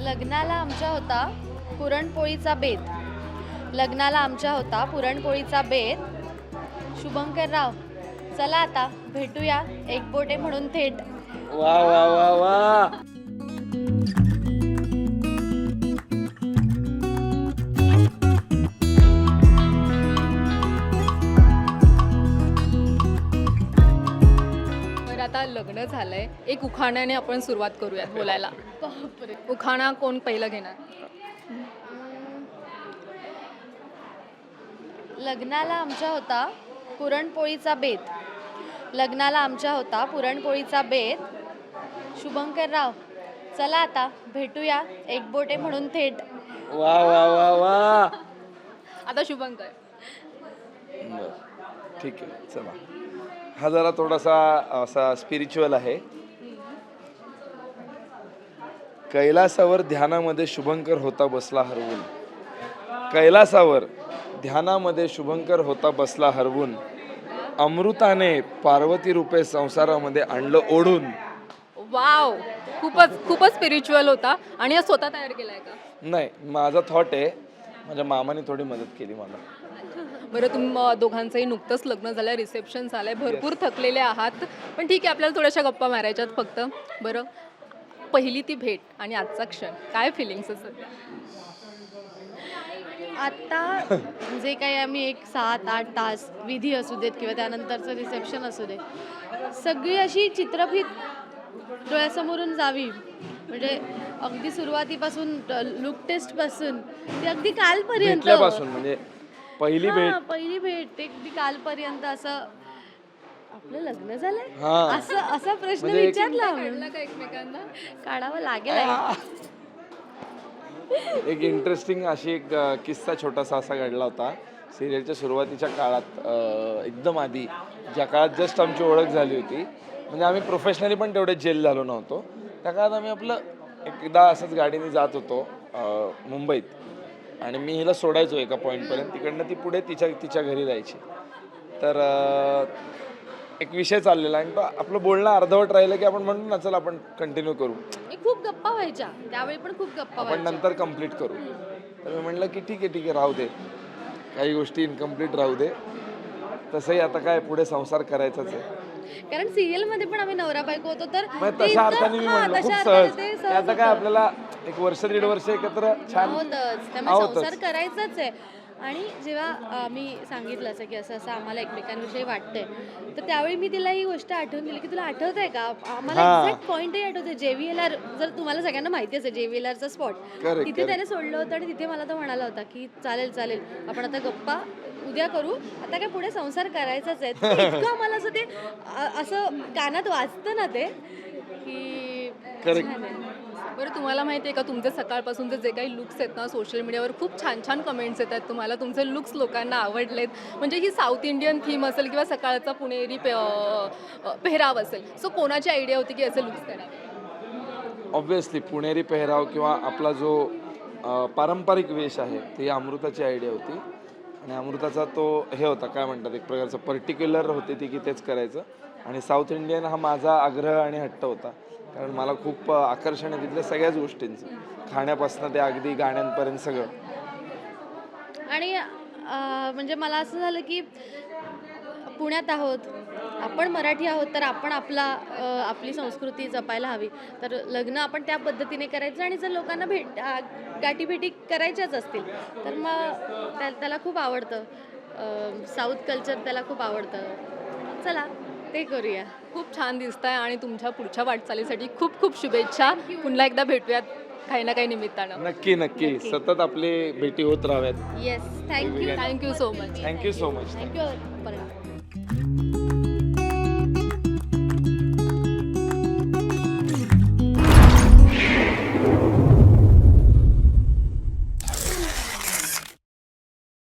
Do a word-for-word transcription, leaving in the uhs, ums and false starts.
लग्नाला आमच्या होता पुरणपोळीचा बेत. लग्नाला आमच्या होता पुरणपोळीचा बेत. शुभंकर राव, चला आता भेटूया एकबोटे म्हणून थेट. वा वा वा वा. आता लग्न झालंय, एक उखाण्याने आपण सुरुवात करूयात बोलायला. बापरे. उखाणा कोण पहिलं घेणार? लग्नाला आमच्या होता पुरणपोळीचा बेत. लग्नाला आमच्या होता पुरणपोळीचा बेत. शुभंकर राव, चला आता भेटूया एकबोटे म्हणून थेट. वा वा वा वा. आता शुभंकर. बर, ठीक आहे, चला. हा जरा थोडासा असा स्पिरिच्युअल आहे. कैलासावर ध्यानामध्ये शुभंकर होता बसला हरवून. कैलासावर ध्यानामध्ये शुभंकर होता बसला हरवून. अमृताने पार्वती रूपे संसारामध्ये आणलं ओढून. वाव, खूपच खूपच स्पिरिच्युअल होता. आणि हा स्वतः तयार केलाय का? नाही, माझा थॉट आहे. माझ्या मामाने थोडी मदत केली मला. बरं, तुम्ही दोघांचंही नुकतंच लग्न झालंय, रिसेप्शन झालंय, भरपूर थकलेले आहात, पण ठीक आहे, आपल्याला थोड्याशा गप्पा मारायच्यात फक्त. बरं, पहिली ती भेट आणि आजचा क्षण, काय फिलिंग्स असत? आता जे काही आम्ही एक सात आठ तास विधी असू देत किंवा त्यानंतरचं रिसेप्शन असू दे, सगळी अशी चित्रफित डोळ्यासमोरून जावी. म्हणजे अगदी सुरुवातीपासून लुक टेस्ट पासून ते अगदी कालपर्यंत, भेटल्यापासून म्हणजे पहिली हा, भेट पहिली भेट ते अगदी कालपर्यंत असं आपलं लग्न झालंय हा. असं असा प्रश्न म्हणजे एक- विचारला काढला का एकमेकांना? काढावं लागेल. एक इंटरेस्टिंग अशी एक अ, किस्सा छोटासा असा घडला होता सिरियलच्या सुरुवातीच्या काळात. अ, एकदम आधी ज्या काळात जस्ट आमची ओळख झाली होती, म्हणजे आम्ही प्रोफेशनली पण तेवढे जेल झालो नव्हतो. त्या काळात आम्ही आपलं एकदा असंच गाडीने जात होतो अ, मुंबईत, आणि मी हिला सोडायचो एका पॉईंटपर्यंत. तिकडनं ती पुढे तिच्या तिच्या घरी जायची. तर अ, एक विषय चाललेला आणि तो आपलं बोलणं अर्धवट राहिलं की आपण म्हणतो ना, चल आपण कंटिन्यू करू, खूप गप्पा व्हायच्या त्यावेळी, पण खूप गप्पा आपण व्हायच्या. नंतर कंप्लीट करू. तर मी म्हटलं की ठीक आहे ठीक आहे, राहू दे, काही गोष्टी इनकम्प्लीट राहू दे. तसंही आता काय, पुढे संसार करायचाच आहे. कारण सिरियल मध्ये पण आम्ही नवरा बायको होतो, तर मग ते तशा इतकं- अर्थाने मी हा, म्हणलो खूप तशा सहज. अर्थाने ते ते सहज आता काय होतं. आपल्याला एक वर्ष दीड वर्ष एकत्र छान आहोतच, त्यामुळे आहोतच. संसार करायचाच आहे. आणि जेव्हा आम्ही सांगितलं असं की असं असं आम्हाला एकमेकांविषयी वाटतंय, तर त्यावेळी मी तिला ही गोष्ट आठवून दिली की तुला आठवत आहे का, आम्हाला हा. एक्झॅक्ट पॉईंटही आठवते. जेव्हीएलआर, जर तुम्हाला सगळ्यांना माहिती असेल जेव्हीएलआरचा स्पॉट, Correct, तिथे correct. त्याने सोडलं होतं. आणि तिथे मला तो म्हणाला होता की चालेल चालेल, आपण आता गप्पा उद्या करू, आता काय पुढे संसार करायचाच आहे. तर इतकं आम्हाला असं ते अ- असं कानात वाजतं ना ते की Correct. छान आहे. बरं, तुम्हाला माहिती आहे का, तुमचे सकाळपासूनचे जे काही लुक्स आहेत ना, सोशल मीडियावर खूप छान छान कमेंट्स येतात तुम्हाला, तुमचे लुक्स लोकांना आवडलेत. म्हणजे ही साऊथ इंडियन थीम असेल किंवा सकाळचा पुणेरी पे अ, अ, पेहराव असेल, सो कोणाची आयडिया होती की असे लुक्स करावे? ऑब्व्हियसली पुणेरी पेहराव किंवा आपला जो अ, पारंपरिक वेश आहे, ती अमृताची आयडिया होती. आणि अमृताचा तो हे होता, काय म्हणतात, एक प्रकारचं पर्टिक्युलर होते ती की तेच करायचं. आणि साऊथ इंडियन हा माझा आग्रह आणि हट्ट होता, कारण मला खूप अ, आकर्षण आहे तिथल्या सगळ्याच गोष्टींचं, खाण्यापासून ते अगदी गाण्यांपर्यंत सगळं. आणि अं, म्हणजे मला असं झालं की पुण्यात आहोत, आपण मराठी आहोत, तर आपण आपला अं, आपली संस्कृती जपायला हवी. तर लग्न आपण त्या पद्धतीने करायचं. आणि जर लोकांना भेट अं, गाठीभेटी करायच्याच असतील तर मग त्या त्याला खूप आवडतं साऊथ कल्चर, त्याला खूप आवडतं. चला ते करूया. खूप छान दिसताय आणि तुमच्या पुढच्या वाटचालीसाठी खूप खूप शुभेच्छा. पुन्हा एकदा भेटूयात काही ना काही निमित्तानं. नक्की नक्की सतत आपली भेटी होत राहाव्यात. Yes, thank you thank you so much. Thank you so much. Thank you.